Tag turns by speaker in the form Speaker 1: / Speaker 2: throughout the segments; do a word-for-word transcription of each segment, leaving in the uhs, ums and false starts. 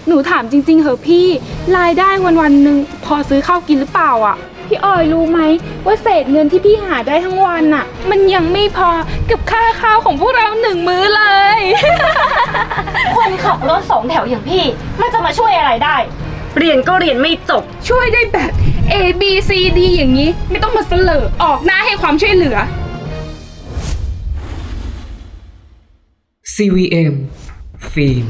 Speaker 1: หนูถามจริงๆเหอะพี่รายได้วันวันหนึ่งพอซื้อข้าวกินหรือเปล่าอ่ะพี่ออยรู้ไหมว่าเศษเงินที่พี่หาได้ทั้งวันน่ะมันยังไม่พอกับค่าข้าวของพวกเราหนึ่งมื้อเลย
Speaker 2: คนขับรถสองแถวอย่างพี่มันจะมาช่วยอะไรได้เรียนก็เรียนไม่จบ
Speaker 1: ช่วยได้แบบ A B C D อย่างนี้ไม่ต้องมาเสลอออกหน้าให้ความช่วยเหลือ
Speaker 3: ซี วี เอ็ม ฟิล์ม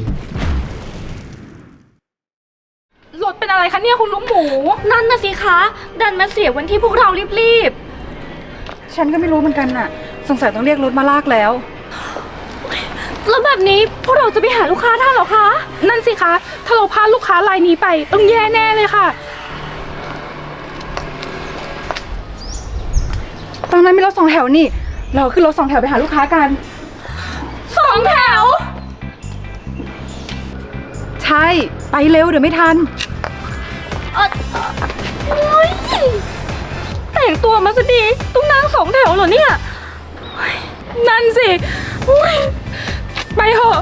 Speaker 1: รถเป็นอะไรคะเนี่ยคุณลุงหมู
Speaker 2: นั่นน่ะสิคะดันมาเสียวันที่พวกเรารีบ
Speaker 4: ฉันก็ไม่รู้เหมือนกันน่ะสงสัยต้องเรียกรถมาลากแล้ว
Speaker 2: ๆแล้วแบบนี้พวกเราจะไปหาลูกค้าทันเหรอคะ
Speaker 1: นั่นสิคะถ้าเราพลาดลูกค้ารายนี้ไปต้องแย่แน่เลยค่ะ
Speaker 4: ตอนนั้นมีรถสองแถวนี่เราขึ้นรถสองแถวไปหาลูกค้ากัน
Speaker 1: สองแถว
Speaker 4: ใช่ไปเร็วเดี๋ยวไม่ทัน
Speaker 2: เออโอ๊ยแต่งตัวมาซะดีต้องนั่งสองแถวเหรอเนี่ย
Speaker 1: นั่นสิไปเถอะ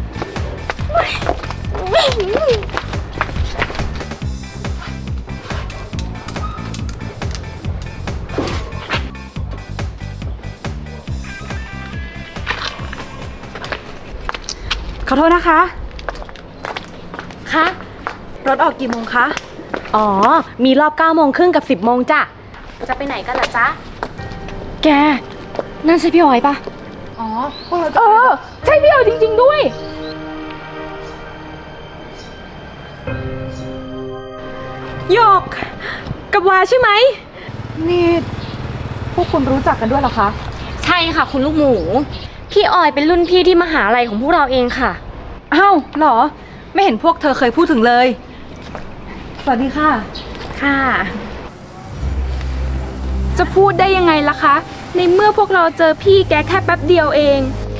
Speaker 4: ขอโทษนะคะ
Speaker 2: คะ
Speaker 4: รถออกกี่โมงคะ
Speaker 2: อ๋อมีรอบเก้าโมงครึ่งกับสิบโมงจ้ะจะไปไหนกันล่ะจ๊ะแกนั่นใช่พี่ออยปะ
Speaker 4: อ๋อพวกเรา
Speaker 1: เออใช่พี่ออยจริงๆด้วย
Speaker 2: หยกกับวาใช่ไหม
Speaker 4: นี่พวกคุณรู้จักกันด้วยเหรอคะ
Speaker 2: ใช่ค่ะคุณลูกหมูพี่ออยเป็นรุ่นพี่ที่มหาลัยของพวกเราเองค่ะ
Speaker 4: อ้าวเหรอไม่เห็นพวกเธอเคยพูดถึงเลยสวัสดีค่ะ
Speaker 2: ค่ะ
Speaker 1: จะพูดได้ยังไงล่ะคะในเมื่อพวกเราเจอพี่แกแค่แป๊บเดียวเอง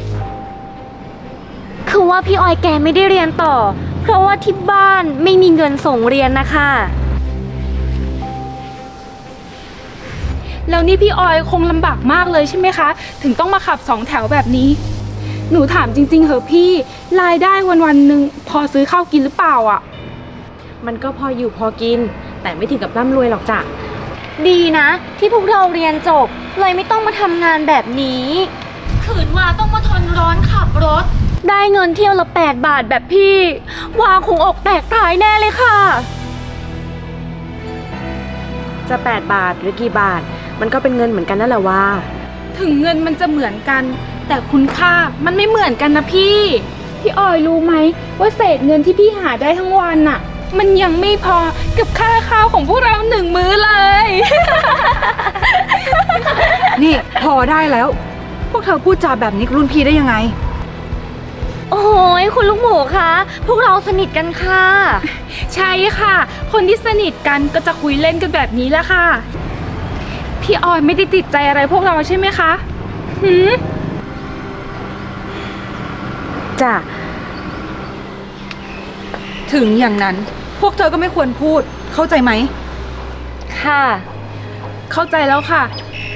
Speaker 2: คือว่าพี่ออยแกไม่ได้เรียนต่อเพราะว่าที่บ้านไม่มีเงินส่งเรียนนะคะ
Speaker 1: แล้วนี่พี่ออยคงลำบากมากเลยใช่ไหมคะถึงต้องมาขับสองแถวแบบนี้หนูถามจริงๆเหอะพี่รายได้วันวันหนึ่งพอซื้อข้าวกินหรือเปล่าอ่ะ
Speaker 2: มันก็พออยู่พอกินแต่ไม่ถึงกับร่ำรวยหรอกจ้ะดีนะที่พวกเราเรียนจบเลยไม่ต้องมาทำงานแบบนี้ขืนว่าต้องมาทนร้อนขับรถได้เงินเที่ยวละแปดบาทแบบพี่วาคงอกแตกตายแน่เลยค่ะจะแปดบาทหรือกี่บาทมันก็เป็นเงินเหมือนกันนั่นแหละว่า
Speaker 1: ถึงเงินมันจะเหมือนกันแต่คุณค่ามันไม่เหมือนกันนะพี่พี่ออยรู้ไหมว่าเศษเงินที่พี่หาได้ทั้งวันน่ะมันยังไม่พอกับค่าข้าวของพวกเราหนึ่งมื้อเลย
Speaker 4: นี่พอได้แล้วพวกเธอพูดจาแบบนี้กับรุ่นพี่ได้ยังไง
Speaker 2: โอ้ยคุณลูกหมูคะพวกเราสนิทกันค่ะ
Speaker 1: ใช่ค่ะคนที่สนิทกันก็จะคุยเล่นกันแบบนี้แหละค่ะพี่ออยไม่ได้ติดใจอะไรพวกเราใช่ไหมคะหืม
Speaker 2: จ้ะ
Speaker 4: ถึงอย่างนั้นพวกเธอก็ไม่ควรพูดเข้าใจไหม
Speaker 2: ค่ะ
Speaker 1: เข้าใจแล้วค่ะ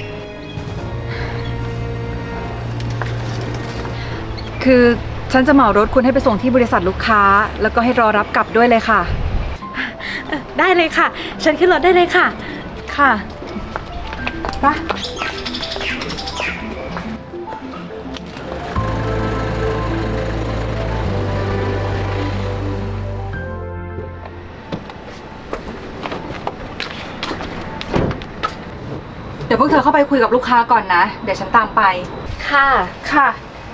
Speaker 4: คือฉันจะเหมารถคุณให้ไปส่งที่บริษัทลูกค้าแล้วก็ให้รอรับกลับด้วยเลยค่ะ
Speaker 2: ได้เลยค่ะฉันขึ้นรถได้เลยค่ะ
Speaker 4: ค่ะไปเดี๋ยวพวกเธอเข้าไปคุยกับลูกค้าก่อนนะเดี๋ยวฉันตามไป
Speaker 2: ค่ะ
Speaker 1: ค่ะ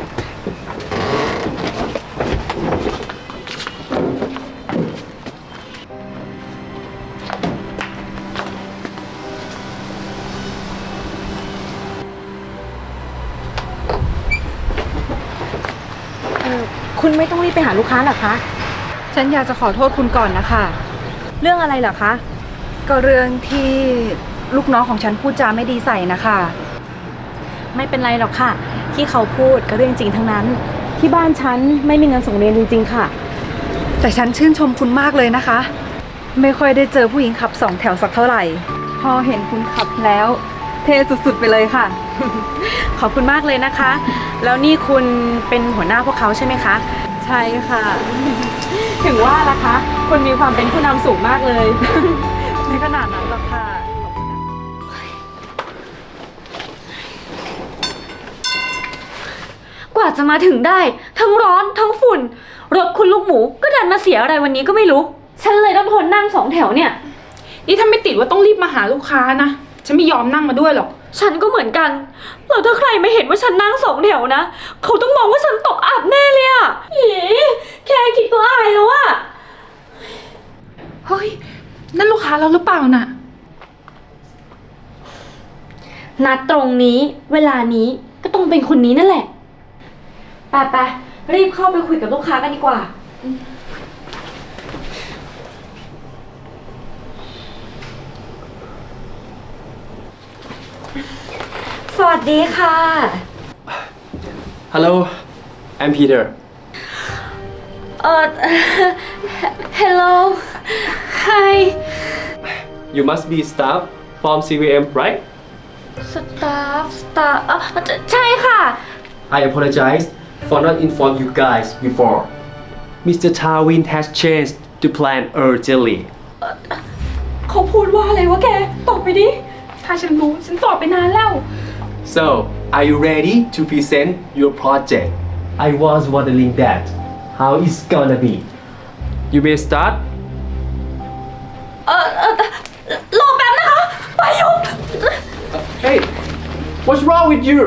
Speaker 2: คุณไม่ต้องรีบไปหาลูกค้าหรอคะ
Speaker 4: ฉันอยากจะขอโทษคุณก่อนนะคะ
Speaker 2: เรื่องอะไรเหรอคะ
Speaker 4: ก็เรื่องที่ลูกน้องของฉันพูดจาไม่ดีใส่นะคะ
Speaker 2: ไม่เป็นไรหรอกค่ะที่เขาพูดก็เรื่องจริงทั้งนั้นที่บ้านฉันไม่มีเงินส่งเรียนจริงๆค่ะ
Speaker 4: แต่ฉันชื่นชมคุณมากเลยนะคะไม่ค่อยได้เจอผู้หญิงขับสองแถวสักเท่าไหร่พอเห็นคุณขับแล้วเท่สุดๆไปเลยค่ะ
Speaker 2: ขอบคุณมากเลยนะคะแล้วนี่คุณเป็นหัวหน้าพวกเขาใช่ไหมคะใช่ค่ะ ถึงว่าล่ะคะ คุณมีความเป็นผู้นำสูงมากเลย
Speaker 4: ไม่ขนาดนั้นหรอกค่ะ
Speaker 2: กว่าจะมาถึงได้ ทั้งร้อนทั้งฝุ่น รถคุณลูกหมูก็ดันมาเสียอะไรวันนี้ก็ไม่รู้ ฉันเลยต้องทนนั่งสองแถวเนี่ย
Speaker 1: นี่ถ้าไม่ติดว่าต้องรีบมาหาลูกค้านะ ฉันไม่ยอมนั่งมาด้วยหรอก
Speaker 2: ฉันก็เหมือนกันแล้วถ้าใครไม่เห็นว่าฉันนั่งสองแถวนะ เขาต้องมองว่าฉันตกอับแน่เลยอะอีแค่คิดก็อายแล้วอะ
Speaker 1: เฮ้ย นั่นลูกค้าเราหรือเปล่าน่ะ
Speaker 2: นัดตรงนี้ เวลานี้ก็ต้องเป็นคนนี้นั่นแหละไปไปรีบเข้าไปคุยกับลูกค้ากันดีกว่า สวัสดีค่ะ
Speaker 5: Hello, I'm Peter.
Speaker 2: เอ่อ hello
Speaker 1: Hi
Speaker 5: You must be staff from ซี วี เอ็ม, right?
Speaker 2: staff staff เอ่อใช่ค่ะ
Speaker 5: I apologize for not informing you guys before. Mister Tawin has changed the plan urgently.
Speaker 2: เขาพูดว่าอะไรวะแก ตอบไปดิ
Speaker 1: ถ้าฉันรู้ ฉันตอบไปนานแล้ว
Speaker 5: So, are you ready to present your project? I was wondering that. How it's gonna be? You may start.
Speaker 2: เอ่อเอ่อรอแป๊บนะคะไปยุก
Speaker 5: Hey, what's wrong with you?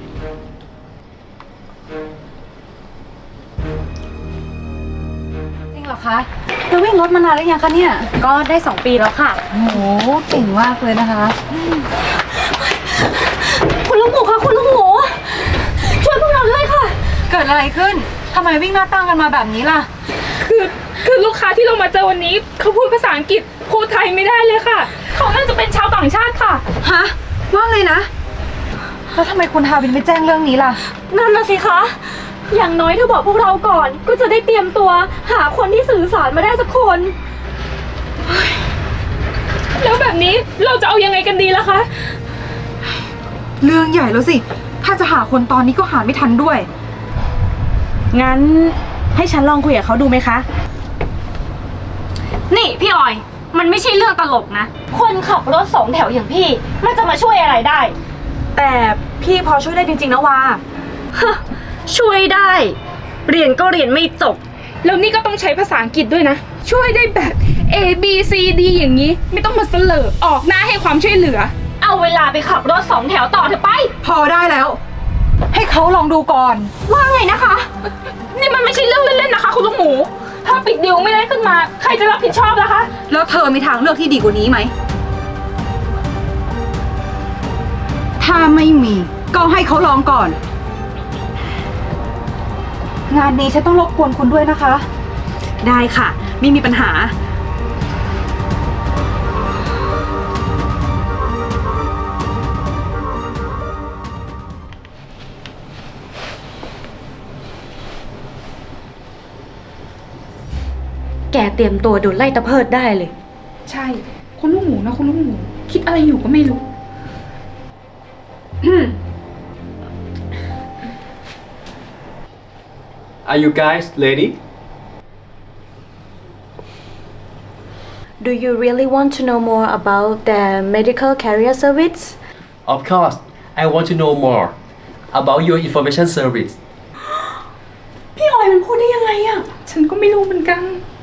Speaker 4: จริงเหรอคะจะวิ่งรถมานานหรือยังคะเนี่ย
Speaker 2: ก็ได้สองปีแล้วค่ะ
Speaker 4: โอ้โห เก่งมากเลยนะคะ
Speaker 2: คุณลูกหมูคะคุณลูกหมู ช่วยพวกเราด้วยค่ะ
Speaker 4: เกิดอะไรขึ้น ทำไมวิ่งหน้าตั้งกันมาแบบนี้ล่ะ
Speaker 1: คือคือลูกค้าที่เรามาเจอวันนี้ เขาพูดภาษาอังกฤษพูดไทยไม่ได้เลยค่ะ เขาน่าจะเป็นชาวต่างชาติค่ะ
Speaker 4: ฮะ ว่าเลยนะ แล้วทำไมคุณทาวินไม่แจ้งเรื่องนี้ล่ะ
Speaker 2: นั่นน่ะสิคะ อย่างน้อยถ้าบอกพวกเราก่อน ก็จะได้เตรียมตัว หาคนที่สื่อสารมาได้สักคน
Speaker 1: แล้วแบบนี้เราจะเอายังไงกันดีล่ะคะ
Speaker 4: เรื่องใหญ่แล้วสิ ถ้าจะหาคนตอนนี้ก็หาไม่ทันด้วย
Speaker 2: งั้นให้ฉันลองคุยกับเขาดูไหมคะ นี่พี่ออย มันไม่ใช่เรื่องตลกนะ คนขับรถสองแถวอย่างพี่ มันจะมาช่วยอะไรได้ แต่พี่พอช่วยได้จริงๆนะวา ช่วยได้ เรียนก็เรียนไม่จบ
Speaker 1: แล้วนี่ก็ต้องใช้ภาษาอังกฤษด้วยนะ ช่วยได้แบบ A B C D อย่างนี้ ไม่ต้องมาเสลอออกหน้าให้ความช่วยเหลือ
Speaker 2: เอาเวลาไปขับรถสองแถวต่อเถอะไป
Speaker 4: พอได้แล้ว ให้เขาลองดูก่อน
Speaker 2: ว่าไงนะคะ
Speaker 1: นี่มันไม่ใช่เรื่องเล่นๆนะคะ คุณลูกหมู ถ้าปิดดิวไม่ได้ขึ้นมา ใครจะรับผิดชอบล่ะคะ
Speaker 4: แล้วเธอมีทางเลือกที่ดีกว่านี้ไหม ถ้าไม่มีก็ให้เขาลองก่อน งานนี้ฉันต้องรบกวนคุณด้วยนะคะ
Speaker 2: ได้ค่ะ ไม่มีปัญหา แกเตรียมตัวโดนไล่ตะเพิดได้เลย
Speaker 1: ใช่ คุณลูกหมูนะคุณลูกหมู คิดอะไรอยู่ก็ไม่รู้
Speaker 5: Are you guys ready?
Speaker 2: Do you really want to know more about the medical carrier service?
Speaker 5: Of course, I want to know more about your information service.
Speaker 2: พี่ออยมันพูดได้ยังไงอะ
Speaker 1: ฉันก็ไม่รู้เหมือนกัน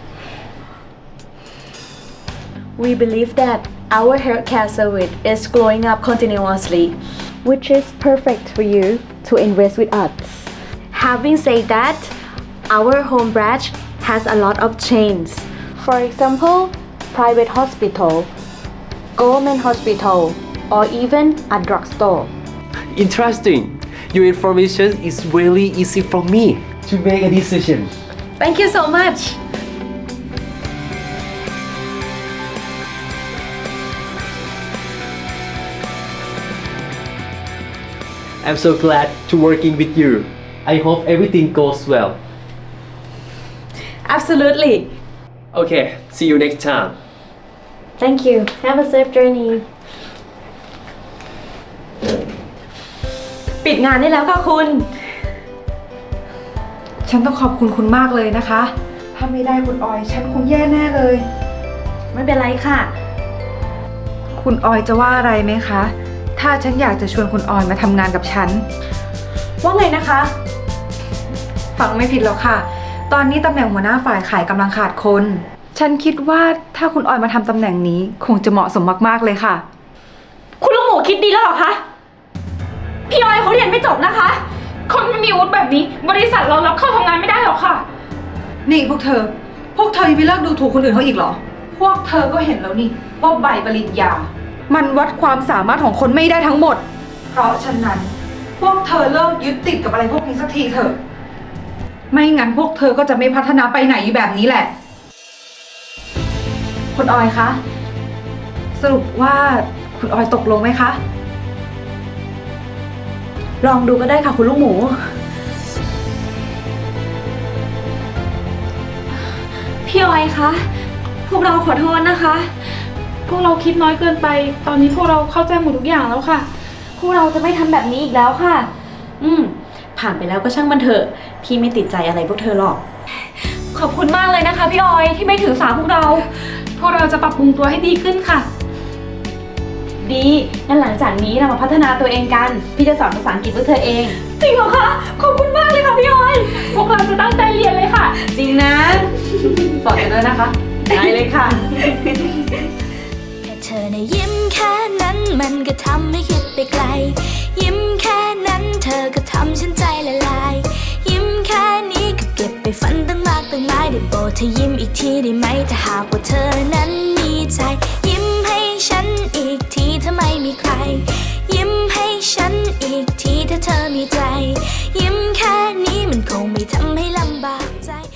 Speaker 2: We believe that our healthcare service is growing up continuously, which is perfect for you to invest with us. Having said that, our home branch has a lot of chains. For example, private hospital, government hospital, or even a drugstore.
Speaker 5: Interesting. Your information is really easy for me to make a decision.
Speaker 2: Thank you so much.
Speaker 5: I'm so glad to working with you. I hope everything goes well.
Speaker 2: Absolutely.
Speaker 5: Okay, see you next time.
Speaker 2: Thank you. Have a safe journey. ปิดงานได้แล้วค่ะคุณ
Speaker 4: ฉันต้องขอบคุณคุณมากเลยนะคะ ถ้าไม่ได้คุณออย ฉันคงแย่แน่เลย
Speaker 2: ไม่เป็นไรค่ะ
Speaker 4: คุณออยจะว่าอะไรไหมคะ ถ้าฉันอยากจะชวนคุณออยมาทำงานกับฉัน
Speaker 2: ว่าไงนะคะ
Speaker 4: ฟังไม่ผิดหรอกค่ะ ตอนนี้ตำแหน่งหัวหน้าฝ่ายขายกำลังขาดคน ฉันคิดว่าถ้าคุณออยมาทำตำแหน่งนี้คงจะเหมาะสมมากๆเลยค่ะ
Speaker 2: คุณลูกหมูคิดดีแล้วเหรอคะ พี่ออยเขาเรียนไม่จบนะคะ
Speaker 1: คนไม่มีวุฒิแบบนี้ บริษัทเรารับเข้าทำงานไม่ได้หรอกค่ะ
Speaker 4: นี่พวกเธอ พวกเธอยังไม่เลิกดูถูกคนอื่นเขาอีกเหรอ พวกเธอก็เห็นแล้วนี่ว่าใบปริญญา มันวัดความสามารถของคนไม่ได้ทั้งหมด เพราะฉะนั้น พวกเธอเลิกยึดติดกับอะไรพวกนี้สักทีเถอะ ไม่งั้นพวกเธอก็จะไม่พัฒนาไปไหนอยู่แบบนี้แหละ คุณออยคะ สรุปว่าคุณออยตกลงไหมคะ
Speaker 2: ลองดูก็ได้ค่ะคุณลูกหมู พี่ออยคะ พวกเราขอโทษนะคะ
Speaker 1: พวกเราคิดน้อยเกินไป ตอนนี้พวกเราเข้าใจหมดทุกอย่างแล้วค่ะ
Speaker 2: พวกเราจะไม่ทำแบบนี้อีกแล้วค่ะ อืม ผ่านไปแล้วก็ช่างมันเถอะ พี่ไม่ติดใจอะไรพวกเธอหรอก ขอบคุณมากเลยนะคะพี่ออยที่ไม่ถือสาพวกเรา
Speaker 1: พวกเราจะปรับปรุงตัวให้ดีขึ้นค่ะ
Speaker 2: ดี งั้นหลังจากนี้เรามาพัฒนาตัวเองกัน พี่จะสอนภาษาอังกฤษพวกเธอเอง จริงเหรอคะ ขอบคุณมากเลยค่ะพี่ออย
Speaker 1: พวกเราจะตั้งใจเรียนเลยค่ะ
Speaker 2: จริงนะ
Speaker 4: สอนกันด้วยนะคะ
Speaker 2: ได้เลยค่ะ
Speaker 6: แค่เธอในะยิ้มแค่นั้นมันก็ทำให้คิดไปไกล ยิ้มแค่นั้นเธอก็ทำฉันใจละลาย ยิ้มแค่นี้ก็เก็บไปฝันตั้งมากตั้งหลายได้โปรดเธอยิ้มอีกทีได้ไหมถ้าหากว่าเธอนั้นมีใจ ยิ้มให้ฉันอีกทีถ้าไม่มีใคร ยิ้มให้ฉันอีกทีถ้าเธอมีใจ ยิ้มแค่นี้มันคงไม่ทำให้ลำบากใจ